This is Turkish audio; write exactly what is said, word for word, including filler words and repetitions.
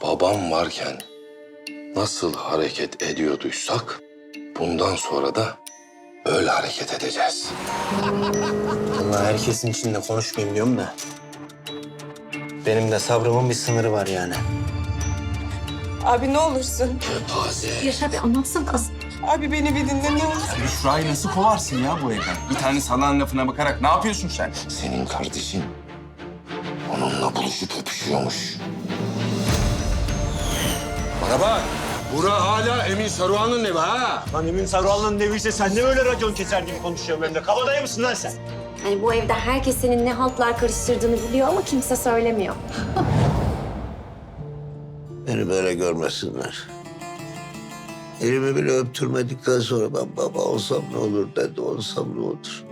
babam varken nasıl hareket ediyorduysak bundan sonra da öyle hareket edeceğiz. Vallahi herkesin içinde konuşmayayım diyorum da. Benim de sabrımın bir sınırı var yani. Abi ne olursun. Kepaze. Yaşar Bey anlatsana kız. Abi beni bir dinle ne olur. Büşra'yı nasıl kovarsın ya bu evden? Bir tane salan lafına bakarak ne yapıyorsun sen? Senin kardeşin onunla buluşup öpüşüyormuş. Bana bak. Bura hala Emin Saruhan'ın evi ha. Lan Emin Saruhan'ın eviyse sen ne böyle racon keser gibi konuşuyorsun benimle? Kabadayı mısın lan sen? Yani bu evde herkes senin ne haltlar karıştırdığını biliyor ama kimse söylemiyor. Beni böyle görmesinler. Elimi bile öptürmedikten sonra ben baba olsam ne olur, dede olsam ne olur.